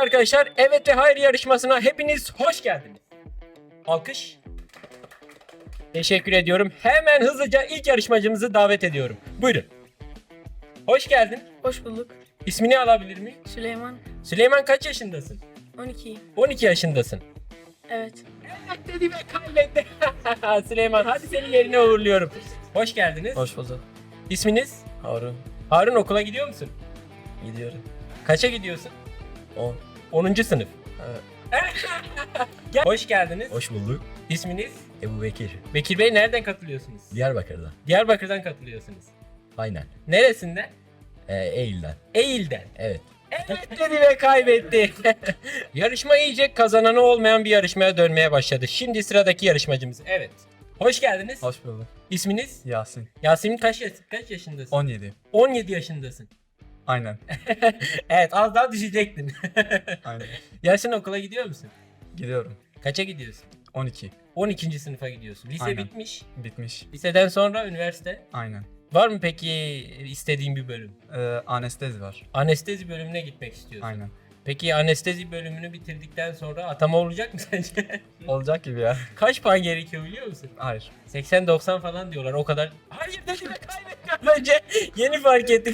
arkadaşlar. Evet ve hayır yarışmasına hepiniz hoş geldiniz. Alkış. Teşekkür ediyorum. Hemen hızlıca ilk yarışmacımızı davet ediyorum. Buyurun. Hoş geldin. Hoş bulduk. İsmini alabilir miyim? Süleyman. Süleyman kaç yaşındasın? 12. 12 yaşındasın. Evet. Evet dedi ve kaybetti. Süleyman hadi seni yerine uğurluyorum. Hoş geldiniz. Hoş bulduk. İsminiz? Harun. Harun, okula gidiyor musun? Gidiyorum. Kaça gidiyorsun? 10. 10. sınıf. Evet. Hoş geldiniz. Hoş bulduk. İsminiz? Ebu Bekir. Bekir Bey, nereden katılıyorsunuz? Diyarbakır'dan. Diyarbakır'dan katılıyorsunuz. Aynen. Neresinden? Eylül'den. Eğil'den. Evet. Evet dedi ve kaybetti. Yarışma iyice kazananı olmayan bir yarışmaya dönmeye başladı. Şimdi sıradaki yarışmacımız. Evet. Hoş geldiniz. Hoş bulduk. İsminiz? Yasin. Yasemin kaç yaşındasın? 17. 17 yaşındasın. Aynen. Evet, az daha düşecektin. Aynen. Yasin, okula gidiyor musun? Gidiyorum. Kaça gidiyorsun? 12. 12. sınıfa gidiyorsun. Lise Aynen. bitmiş. Bitmiş. Liseden sonra üniversite. Aynen. Var mı peki istediğin bir bölüm? Anestezi var. Anestezi bölümüne gitmek istiyorsun. Aynen. Peki anestezi bölümünü bitirdikten sonra atama olacak mı sence? Olacak gibi ya. Kaç puan gerekiyor biliyor musun? Hayır. 80-90 falan diyorlar o kadar. Hayır dedi ve kaybettim önce. Yeni fark ettim.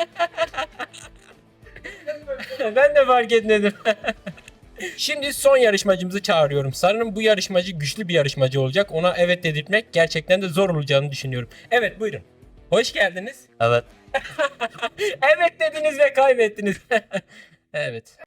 Ben de fark etmedim. Şimdi son yarışmacımızı çağırıyorum. Sanırım bu yarışmacı güçlü bir yarışmacı olacak. Ona evet dedirtmek gerçekten de zor olacağını düşünüyorum. Evet, buyurun. Hoş geldiniz. Evet. Evet dediniz ve kaybettiniz. Evet.